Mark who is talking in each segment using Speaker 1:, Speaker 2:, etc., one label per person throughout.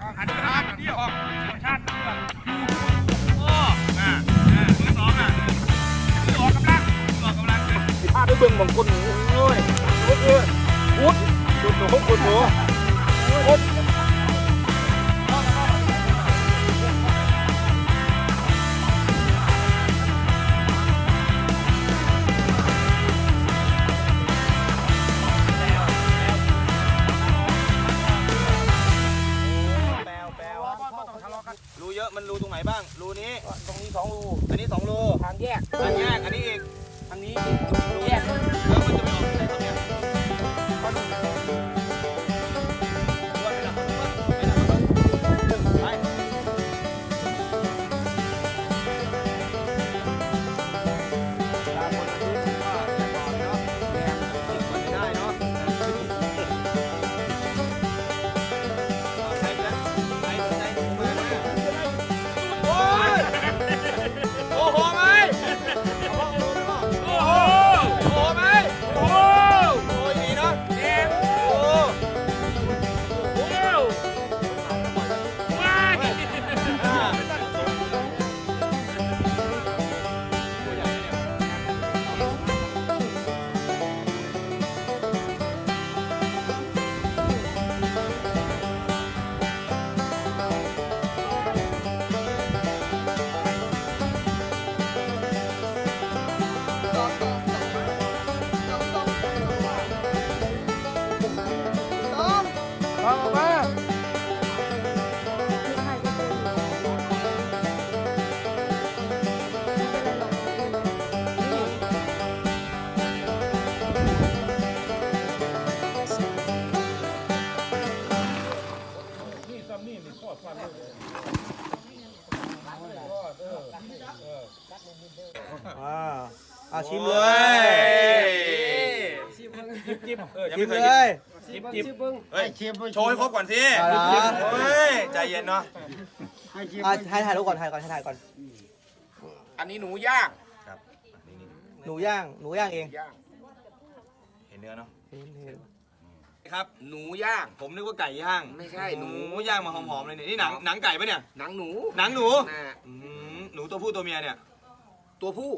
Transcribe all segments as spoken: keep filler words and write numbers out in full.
Speaker 1: หันทานเดียวชาติแบบโอ้น่ะมือสองน่ะมือออกกำลังมือออกกำลังเลยพาไปเบิ่งบางคนโอ้ยโอ้ยอุดอุดหนูอุดหนูอุด
Speaker 2: รูเยอะมันรูตรงไหนบ้างรูนี้
Speaker 1: ตรงนี้สองรู
Speaker 2: อันนี้สองรู
Speaker 1: ทางแยก
Speaker 2: ทางแยกอันนี้อีก
Speaker 1: ทางนี้รูแยก
Speaker 2: แล้วมันจะไปออกที่ไหนครับเนี่ย
Speaker 3: อ่าชิมเลยชิมเลย
Speaker 2: จิบจิบเฮ้ยโชว์ให้ครบก่อนสิเฮ้ยใจเย็นเนาะ
Speaker 3: ให้ถ่ายรูปก่อนถ่ายก่อนให้ถ่ายก่อน
Speaker 1: อันนี้หนูย่าง
Speaker 2: ครับ
Speaker 3: หนูย่างหนูย่างเอง
Speaker 2: เห็นเนื้อเนาะ
Speaker 3: เห็นเห็น
Speaker 2: ครับ
Speaker 1: หนูย่าง
Speaker 2: ผมนึกว่าไก่ย่าง
Speaker 1: ไม่ใช่หนู
Speaker 2: ย่างมาหอมๆเลยนี่นี่หนังหนังไก่ปะเนี่ย
Speaker 1: หนังหนู
Speaker 2: หนังหนูหนูตัวผู้ตัวเมียเนี่ย
Speaker 1: ตัวผู้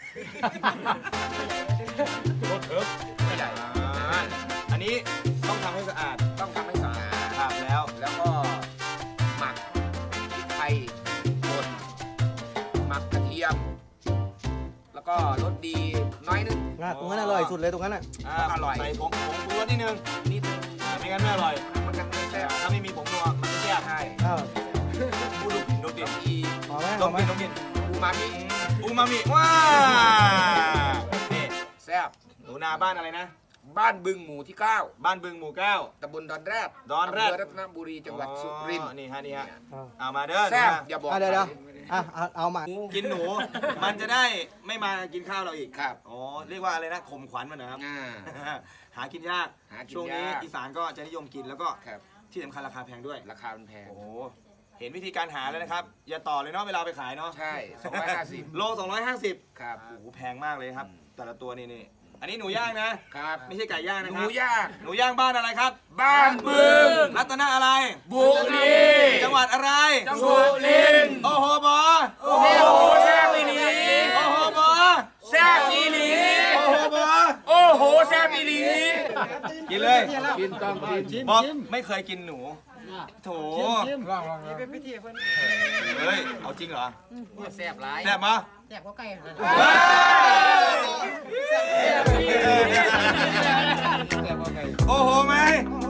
Speaker 2: รถเถิบไม่ใหญ่อันนี้ต้องทำให้สะอาด
Speaker 1: ต้องทำให้สะอาด
Speaker 2: ครับแล้ว
Speaker 1: แล้วก็หมักพริกไทยป่นหมักกระเทียมแล้วก็รสดีน้อยนึง
Speaker 3: ตรงนั้นอร่อยสุดเลยตรงนั้นอ่ะ
Speaker 2: อร่อยใส่ผงผงปรุงรสนิดนึงนิดนึงไม่งั้นไม่อร่อย
Speaker 1: มันจะไม่แซ่บ
Speaker 2: ถ้าไม่มีผงนัวมันจะแซ่บ
Speaker 1: ใช่
Speaker 2: อูดูดูดิ
Speaker 1: อี
Speaker 3: หอมไหม
Speaker 2: หอมไหมดูดิ
Speaker 1: อูมามิ
Speaker 2: อูมามิว้านี่
Speaker 1: แซ่บ
Speaker 2: หนูนาบ้านอะไรนะ
Speaker 1: บ้านบึงหมู่ที่เก้า
Speaker 2: บ้านบึงหมู่เก้า
Speaker 1: ตำบลดอนแรด
Speaker 2: ดอนแรด
Speaker 1: รัตนบุรีจังหวัดสุรินทร์
Speaker 2: นี่ฮะนี่ฮะเอามาเด้อ
Speaker 1: แซ่บอย่าบอก
Speaker 3: เดี๋ยวเดี๋ยวอ่ะเอามา
Speaker 2: กินหนูมันจะได้ไม่มากินข้าวเราอีก
Speaker 1: ครับ
Speaker 2: อ๋อเรียกว่าอะไรนะข่มขวัญมันนะครับหากินยากช่วงนี้อีสานก็จะนิยมกินแล้วก็ที่สำคัญราคาแพงด้วย
Speaker 1: ราคามันแพง
Speaker 2: โอ้เห็นวิธีการหาแล้วนะครับอย่าต่อเลยเนาะเวลาไปขายเนาะ
Speaker 1: ใช่สองร้อยห้าสิบ
Speaker 2: โลสองร้อยห้าสิบ
Speaker 1: ครับ
Speaker 2: โอ้โหแพงมากเลยครับแต่ละตัวนี่นี่อันนี้หนูย่างนะครับไม่ใช่ไก่ย่างนะค
Speaker 1: รับห
Speaker 2: นู
Speaker 1: ย่าง
Speaker 2: หนูย่างบ้านอะไรครับ
Speaker 1: บ้านบึง
Speaker 2: รัตนะอะไร
Speaker 1: บุรี
Speaker 2: จังหวัดอะไร
Speaker 1: สุรินทร์
Speaker 2: โอ้โหบอ
Speaker 1: โอ้โหแซ่บอีหลี
Speaker 2: โอ้โหบอ
Speaker 1: แซ่บอีหลี
Speaker 2: โอ้โหบอ
Speaker 1: โอ้โหแซ่บอีหลี
Speaker 2: กินเลย
Speaker 1: กินต้องกิน
Speaker 2: บอกไม่เคยกินหนูโถ
Speaker 1: ลองลองเป็นพิธีเพื่อน
Speaker 2: เฮ้ยเอาจริงเหรอ
Speaker 1: แซ่บหลาย
Speaker 2: แซ่บมั้ย
Speaker 1: แซ่บก็ไก่
Speaker 2: โอ้โหไหม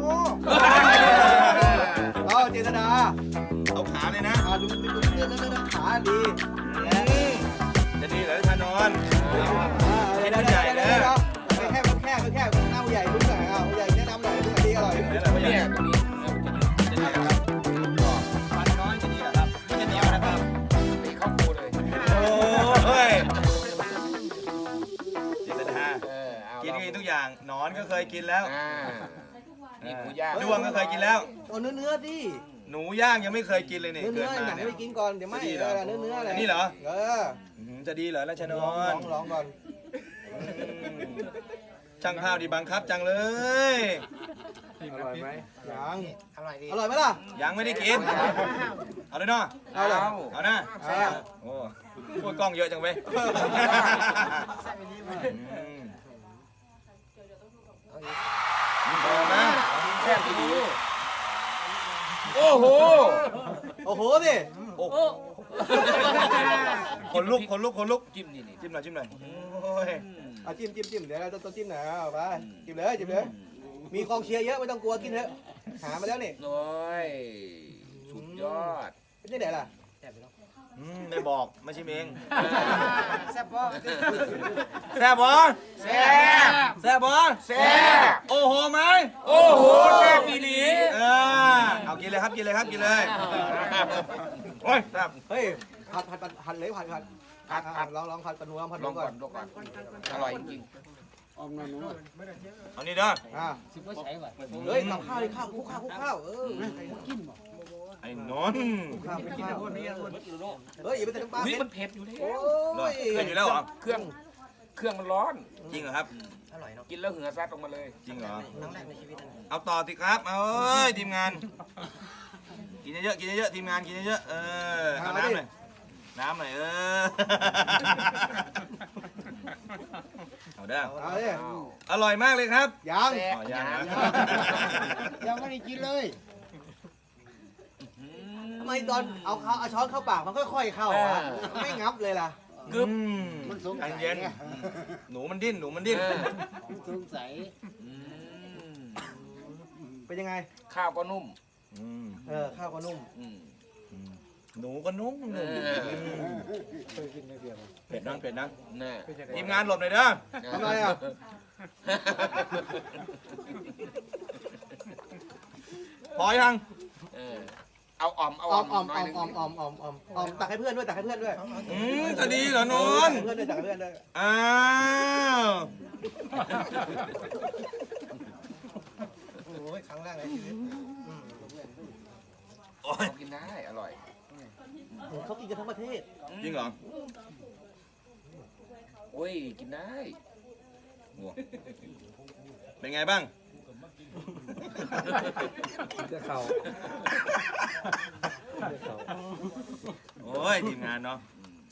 Speaker 3: เอาเจตนา
Speaker 2: เอาขาเลยนะ
Speaker 3: ดูดูดูขาดี
Speaker 2: จะดีเหรอท่านนอน
Speaker 3: ไม่ได้ใหญ่เลยแค่แค่แค่หน้าใหญ่ลุ้นหน่อยเอาใหญ่แนะนำหน่อยลุ้นดีอร่อย
Speaker 1: เนี่ยตรงนี้
Speaker 2: ฟันน้อยจะดีเหรอครับมันจะเหนียวนะครับ
Speaker 1: ตีเข้าคูเลย
Speaker 2: โอ้ยเจตนากินกินทุกอย่างหนอนก็เคยกินแล้ว
Speaker 1: นี่หมูย่าง
Speaker 2: ดวงก็เคยกินแล้ว
Speaker 3: เอาเนื้อเนื้อดิ
Speaker 2: หนูย่างยังไม่เคยกินเลยเนี่ย
Speaker 3: เนื้อหนังไม่กินก่อนเดี๋ยวไม่เนื้อเนื้ออะไร
Speaker 2: นี่เหรอ
Speaker 3: เออ
Speaker 2: จะดีเหรอราชนนท์
Speaker 3: ลองลองก่อน
Speaker 2: ช่างภาพดีบังคับจังเลย
Speaker 3: อร่อยไหมยัง
Speaker 4: อร่อยดี
Speaker 3: อร่อยไหมล่ะ
Speaker 2: ยังไม่ได้กิน เอาเลยเนาะ
Speaker 3: เอาเลย
Speaker 2: เอานะ
Speaker 3: เอา
Speaker 2: โอ้พูดกล้องเยอะจังเว้ย
Speaker 4: แซ่บไปดีมั้ย
Speaker 2: อืมพอนะแซ่บดีโอ้โห
Speaker 3: โอ้โหสิ
Speaker 2: โอ้โหคนลุกคนลุกคนลุกจิ้มนี่จิ้มหน่อยจิ้มหน่อยโอ้ย
Speaker 3: เอาจิ้มจิ้มจิ้มเดี๋ยวเราต้องจิ้มหน่อยเอาไปจิ้มเลยจิ้มเลยมีกองเชียร์เยอะไม่ต้องกลัวกินเถอะหามาแล้วนี่
Speaker 5: โอ้ยสุดยอด
Speaker 3: ไม่ใช่ไหนล่ะ
Speaker 2: อืมไม่บอกไม่ใช่เอง
Speaker 4: แซ่บบ่
Speaker 2: แซ่บบอ
Speaker 5: แซ่บ
Speaker 2: แซ่บบอ
Speaker 5: แซ่บ
Speaker 2: โอ้โหไหม
Speaker 5: โอ้โหแซ่บอีหลี
Speaker 2: เออเอากินเลยครับกินเลยครับกินเลยโอ้ยแซ่บ
Speaker 3: เฮ้ยผัดผัดผัดผัดเลยผัดผัดผัดผัดลองลองผัดปลาหนูลองผัดห
Speaker 5: ล
Speaker 3: นู
Speaker 5: อง
Speaker 3: ก่
Speaker 5: ก่
Speaker 3: อ
Speaker 5: อน นลองก่อนอร่อยจริง
Speaker 2: เอานี่เด้อ
Speaker 3: อ่าเฮ้ยกับข้าวดิข้าวคุกข้าวคุกข้าวเออ
Speaker 2: ไอ้นนท์
Speaker 3: ข้าวคุกข้าวเฮ้ยอย่าไปใส่น้ำปลา
Speaker 5: ๆนี่
Speaker 3: เผ็
Speaker 5: มั
Speaker 3: ด
Speaker 5: นเผ็ดอยู่แล้ว
Speaker 3: โอ้
Speaker 2: เหรอย เป็นอยู่แล้วเหรอ
Speaker 5: เครื่องเครื่องมันร้อน
Speaker 2: จริงเหรอครับ
Speaker 4: อร่อยเนาะ
Speaker 5: กินแล้วเหงื่อซัดออกมาเลย
Speaker 2: จริงเหรอ
Speaker 4: ครั้งแรกในชีวิตนะ
Speaker 2: เอาต่อสิครับเอาเอ้ยทีมงาน กินเยอะๆกินเยอะๆทีมงานกินเยอะๆเออเอาน้ำหน่อยน้ำหน่อยเออเอาเด้อ
Speaker 3: เอาดิ
Speaker 2: อร่อยมากเลยครับ
Speaker 3: ยัง
Speaker 5: แซ่บ
Speaker 2: อ๋อยังนะ
Speaker 4: ยังไม่ได้กินเลย
Speaker 3: ทำไมตอนเอาข้าวเอาช้อนเข้าปากมันค่อยๆเข้าอ่ะไม่งับเลยล่ะ
Speaker 2: กึ๊บใจเย็นหนูมันดิ้นหนูมันดิ้น
Speaker 4: สงสัย
Speaker 5: อืม
Speaker 3: เป็นยังไง
Speaker 5: ข้าวก็นุ่ม
Speaker 2: อืม
Speaker 3: เออข้าวก็นุ่ม
Speaker 5: อืม
Speaker 2: หนูก็นุ่ม
Speaker 5: เอ
Speaker 2: นุ่ม
Speaker 5: อ
Speaker 2: เผ็ดนังเผ็ดนัง
Speaker 5: น่ะ
Speaker 2: ทีมงานหลบหน่อยเด้อ
Speaker 3: ทำไมอ่ะ
Speaker 2: พอยัง
Speaker 5: เออเอาอ่อมเอา
Speaker 3: อ
Speaker 5: อ่
Speaker 3: อ
Speaker 5: อ
Speaker 3: ม
Speaker 5: ม
Speaker 3: ออม
Speaker 5: หน่
Speaker 3: อ
Speaker 5: อ
Speaker 3: อย ม
Speaker 5: หนึง
Speaker 3: ออมออมออมออมออมตักให้เพื่อนด้วยตักให้เพื่อนด้วย
Speaker 2: อืมจะดีเหรอนน
Speaker 3: ตักให้เพื่อนด้วยตักให้เพื่อนด้วย
Speaker 2: อ้าว
Speaker 3: โอ้ยครั้งแรกในชีวิต
Speaker 2: โอ้ย
Speaker 5: กินได้อร่อย
Speaker 3: เขากินกันทั้งประเทศ
Speaker 2: จริงเหรอ
Speaker 5: โอ้ยกินได้
Speaker 2: โอ้เป็นไงบ้าง
Speaker 3: จะเข่า
Speaker 2: โอ้ยทีมงานเนาะ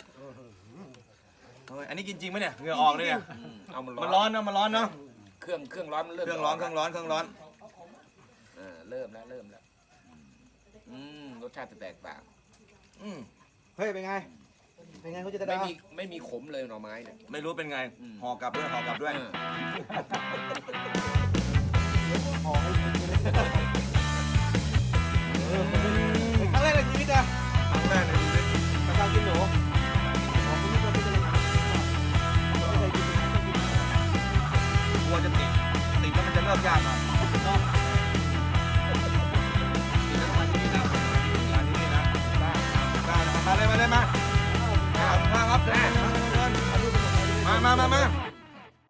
Speaker 2: โอ้ยอันนี้กินจริงไหมเนี่ยเหงื่อออกเลยเนี่ย
Speaker 5: อืมเอามัน
Speaker 2: มัน
Speaker 5: ร้
Speaker 2: ร้
Speaker 5: อ
Speaker 2: อน นเนาะมันร้อนเนาะ
Speaker 5: เครื่องเครื่องร้อนมันเริ่ม
Speaker 2: เครื่องร้อนเครื่องร้อนเครื่องร้อน
Speaker 5: เออเริ่มแล้วเริ่มแล้วอืมรสชาติจะแตกต่าง
Speaker 2: อืม
Speaker 3: เฮ้ยเป็นไงเป็นไงคุณจิตร
Speaker 5: ไม่
Speaker 3: ดา
Speaker 5: มีไม่มีขมเลยหน่อไม้เนี่ย
Speaker 2: ไม่รู้เป็นไง
Speaker 5: อืม
Speaker 2: ห่อกลับด้วยห่อกลับด้วย
Speaker 5: เออ
Speaker 3: หอมให้กินเลยครั้งแรกในชีวิตนะ
Speaker 2: ครั้งแรกในชีวิต
Speaker 3: กับการกินหนูของคุณผู้ชมเป็นยังไงไม่เคยกิน
Speaker 2: กลัวจะติดติดแล้วมันจะเริ่มยากหน่อยติดแล้วมาที่นี่นะมาที่นี่นะได้ได้มาเลยมาเลยมามาครับเดินมามามามา